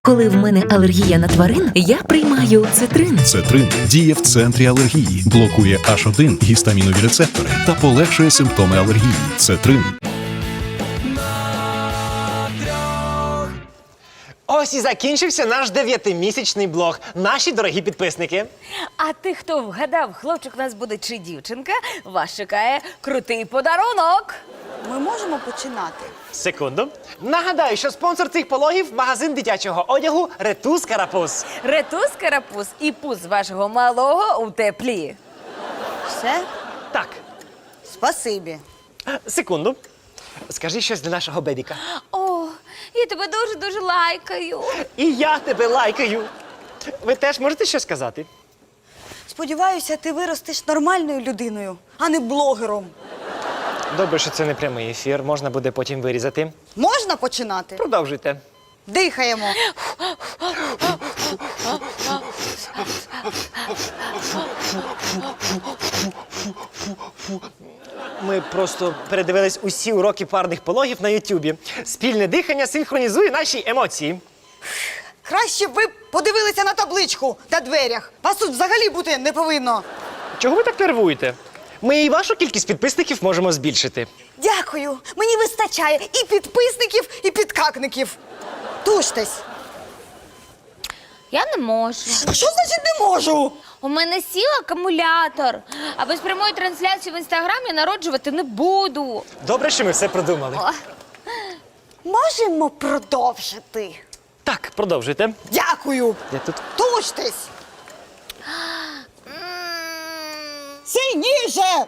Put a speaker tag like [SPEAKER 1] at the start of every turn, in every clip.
[SPEAKER 1] Коли в мене алергія на тварин, я приймаю цитрин.
[SPEAKER 2] Цетрин діє в центрі алергії, блокує H1 гістамінові рецептори та полегшує симптоми алергії. Цетрин.
[SPEAKER 3] Ось і закінчився наш 9-місячний блог. Наші дорогі підписники.
[SPEAKER 4] А ти, хто вгадав, хлопчик у нас буде чи дівчинка, вас чекає крутий подарунок.
[SPEAKER 5] Ми можемо починати?
[SPEAKER 3] Секунду. Нагадаю, що спонсор цих пологів – магазин дитячого одягу «Ретус Карапуз».
[SPEAKER 4] Ретус, карапуз і пуз вашого малого у теплі.
[SPEAKER 5] Все?
[SPEAKER 3] Так,
[SPEAKER 5] Спасибі.
[SPEAKER 3] секунду. Скажи щось для нашого бебіка.
[SPEAKER 4] О, я тебе дуже-дуже лайкаю.
[SPEAKER 3] І я тебе лайкаю. Ви теж можете щось сказати?
[SPEAKER 5] Сподіваюся, ти виростеш нормальною людиною, а не блогером.
[SPEAKER 3] Добре, що це не прямий ефір, можна буде потім вирізати.
[SPEAKER 5] Можна починати?
[SPEAKER 3] Продовжуйте.
[SPEAKER 5] Дихаємо.
[SPEAKER 3] Ми просто передивились усі уроки парних пологів на Ютубі. Спільне дихання синхронізує наші емоції.
[SPEAKER 5] Краще б ви подивилися на табличку на дверях. Вас тут взагалі бути не повинно.
[SPEAKER 3] Чого ви так нервуєте? Ми і вашу кількість підписників можемо збільшити.
[SPEAKER 5] Дякую. Мені вистачає і підписників, і підкакників. Туштесь.
[SPEAKER 4] Я не можу.
[SPEAKER 5] А що значить не можу?
[SPEAKER 4] У мене сів акумулятор, а без прямої трансляції в інстаграмі народжувати не буду.
[SPEAKER 3] Добре, що ми все продумали.
[SPEAKER 4] О,
[SPEAKER 5] Можемо продовжити.
[SPEAKER 3] Так, продовжуйте.
[SPEAKER 5] Дякую.
[SPEAKER 3] Я тут.
[SPEAKER 5] Туштесь. Сильніше.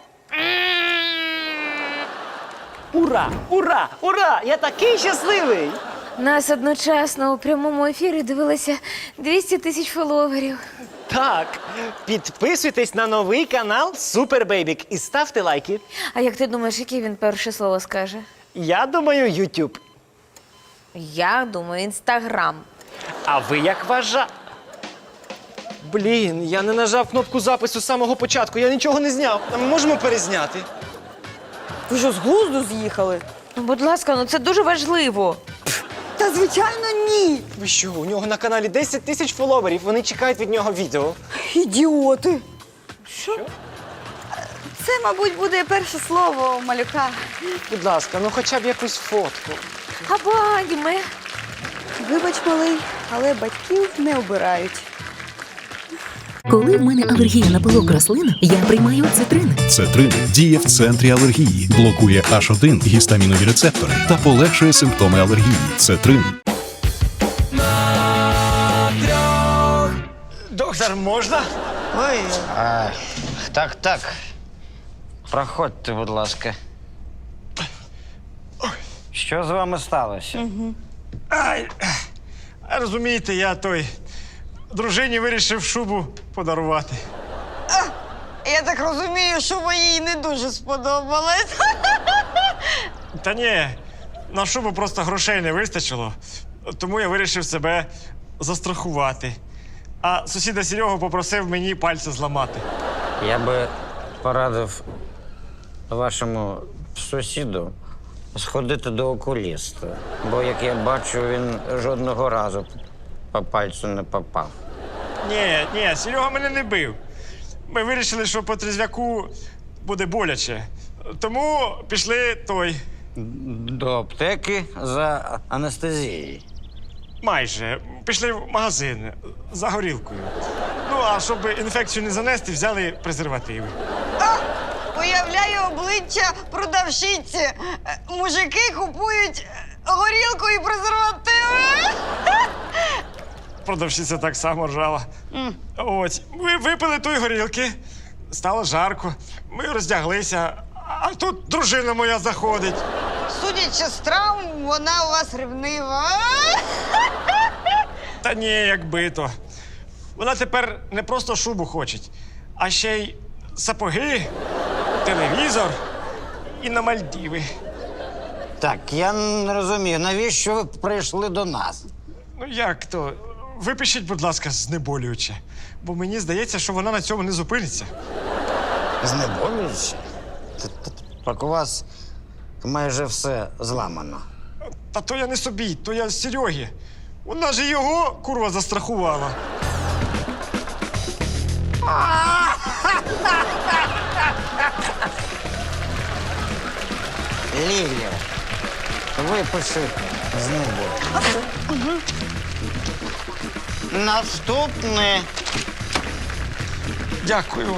[SPEAKER 3] Ура! Ура! Ура! Я такий щасливий!
[SPEAKER 4] нас одночасно у прямому ефірі дивилося 200 тисяч фоловерів.
[SPEAKER 3] Так, підписуйтесь на новий канал Супер Бейбік і ставте лайки.
[SPEAKER 4] А як ти думаєш, яке він перше слово скаже?
[SPEAKER 3] Я думаю, YouTube.
[SPEAKER 4] Я думаю, інстаграм.
[SPEAKER 3] А ви як вважаєте? Блін, я не нажав кнопку запису з самого початку, я нічого не зняв. А ми можемо перезняти?
[SPEAKER 5] Ви що, з глузду з'їхали?
[SPEAKER 4] Ну, будь ласка, ну це дуже важливо.
[SPEAKER 5] Та звичайно ні.
[SPEAKER 3] Ви що, у нього на каналі 10 тисяч фоловерів, вони чекають від нього відео.
[SPEAKER 5] Ідіоти. Що? Це, мабуть, буде перше слово у малюка.
[SPEAKER 3] Будь ласка, ну хоча б якусь фотку.
[SPEAKER 4] Або аніме.
[SPEAKER 5] Вибач, малий, але батьків не обирають.
[SPEAKER 1] Коли в мене алергія на пилок рослин, я приймаю цитрин.
[SPEAKER 2] Цетрин діє в центрі алергії, блокує H1 гістамінові рецептори та полегшує симптоми алергії. Цетрин.
[SPEAKER 3] Доктор, можна?
[SPEAKER 5] Ой,
[SPEAKER 6] Так. Проходьте, будь ласка. Що з вами сталося?
[SPEAKER 7] Ай, розумієте, я дружині вирішив шубу подарувати.
[SPEAKER 5] я так розумію, що їй не дуже сподобалось.
[SPEAKER 7] Та ні, на шубу просто грошей не вистачило, тому я вирішив себе застрахувати. А сусіда Серега попросив мені пальця зламати.
[SPEAKER 6] Я би порадив вашому сусіду сходити до окуліста. Бо, як я бачу, він жодного разу по пальцю не попав.
[SPEAKER 7] Ні, Серега мене не бив. Ми вирішили, що по трізвяку буде боляче. Тому пішли
[SPEAKER 6] До аптеки за анестезією.
[SPEAKER 7] майже. Пішли в магазин за горілкою. Ну, а щоб інфекцію не занести, взяли презервативи.
[SPEAKER 5] Уявляю обличчя продавщиці. Мужики купують горілку і презервативи.
[SPEAKER 7] Продавщиця так само ржала. Ось, ми випили тої горілки, стало жарко, ми роздяглися, а тут дружина моя заходить.
[SPEAKER 5] Судячи з травм, вона у вас ревнива.
[SPEAKER 7] Та ні, якби то. Вона тепер не просто шубу хоче, а ще й сапоги, телевізор і на Мальдіви.
[SPEAKER 6] Так, я не розумію, навіщо ви прийшли до нас?
[SPEAKER 7] Ну як то? Випишіть, будь ласка, знеболююче, бо мені здається, що вона на цьому не зупиниться.
[SPEAKER 6] Знеболюючи? Так у вас майже все зламано.
[SPEAKER 7] Та то я не собі, то я Серьогі. Вона ж його, курва, застрахувала.
[SPEAKER 6] Лілія, випиши з небо. Наступне.
[SPEAKER 7] Дякую.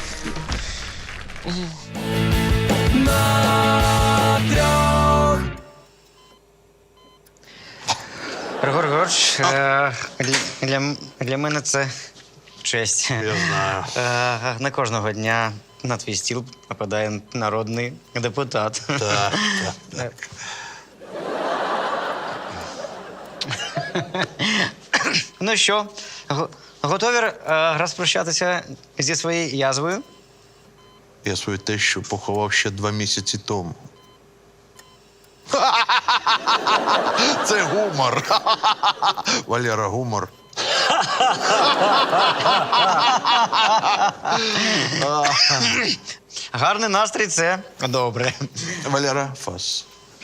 [SPEAKER 6] Григор Григорович, для мене це честь.
[SPEAKER 8] Я знаю.
[SPEAKER 6] Не кожного дня на твій стіл попадає народний депутат.
[SPEAKER 8] Так, так.
[SPEAKER 6] Ну що, готові розпрощатися зі своєю язвою?
[SPEAKER 8] Я свою тещу поховав ще 2 місяці тому. Це гумор. Валера, гумор.
[SPEAKER 6] Гарний настрій це добре.
[SPEAKER 8] Валера, фас.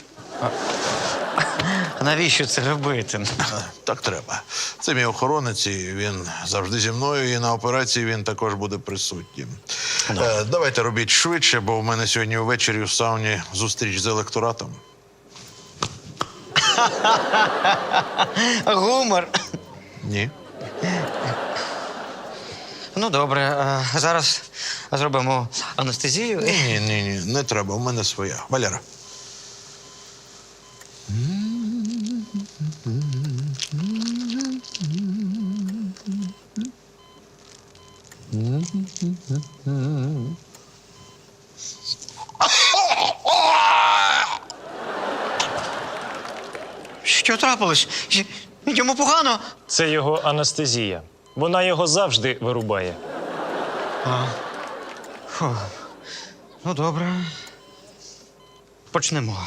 [SPEAKER 6] Навіщо це робити?
[SPEAKER 8] Так треба. Це мій охоронець, і він завжди зі мною, і на операції він також буде присутнім. Давайте робіть швидше, бо в мене сьогодні ввечері в сауні зустріч з електоратом.
[SPEAKER 6] Гумор.
[SPEAKER 8] Ні.
[SPEAKER 6] Ну, добре. Зараз зробимо анестезію.
[SPEAKER 8] Ні, не треба, в мене своя. Валера.
[SPEAKER 6] Що трапилось? Йому погано?
[SPEAKER 7] Це його анестезія. Вона його завжди вирубає.
[SPEAKER 6] Ну, добре. Почнемо.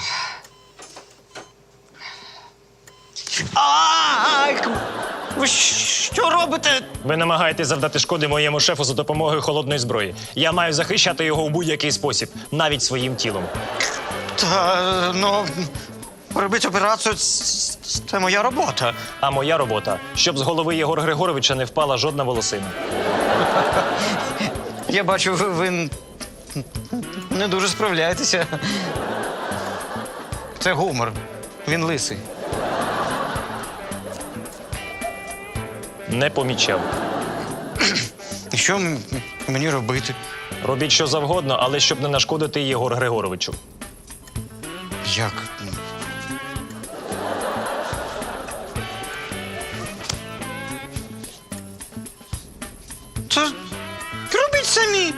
[SPEAKER 6] Ви що робите?
[SPEAKER 7] Ви намагаєтесь завдати шкоди моєму шефу за допомогою холодної зброї. Я маю захищати його у будь-який спосіб, навіть своїм тілом.
[SPEAKER 6] Та, ну, робити операцію це моя робота.
[SPEAKER 7] А моя робота, щоб з голови Єгора Григоровича не впала жодна волосина.
[SPEAKER 6] Я бачу, ви не дуже справляєтеся. Це гумор. Він лисий.
[SPEAKER 7] Не помічав.
[SPEAKER 6] І що мені робити?
[SPEAKER 7] Робіть що завгодно, але щоб не нашкодити Єгору Григоровичу.
[SPEAKER 6] Як? Це робіть самі.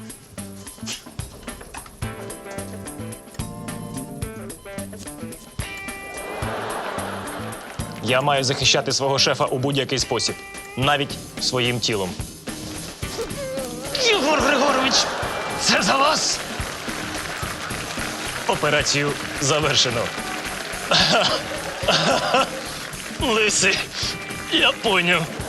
[SPEAKER 7] Я маю захищати свого шефа у будь-який спосіб, навіть своїм тілом. Єгор Григорович, це за вас! Операцію завершено. Лисий, я поняв.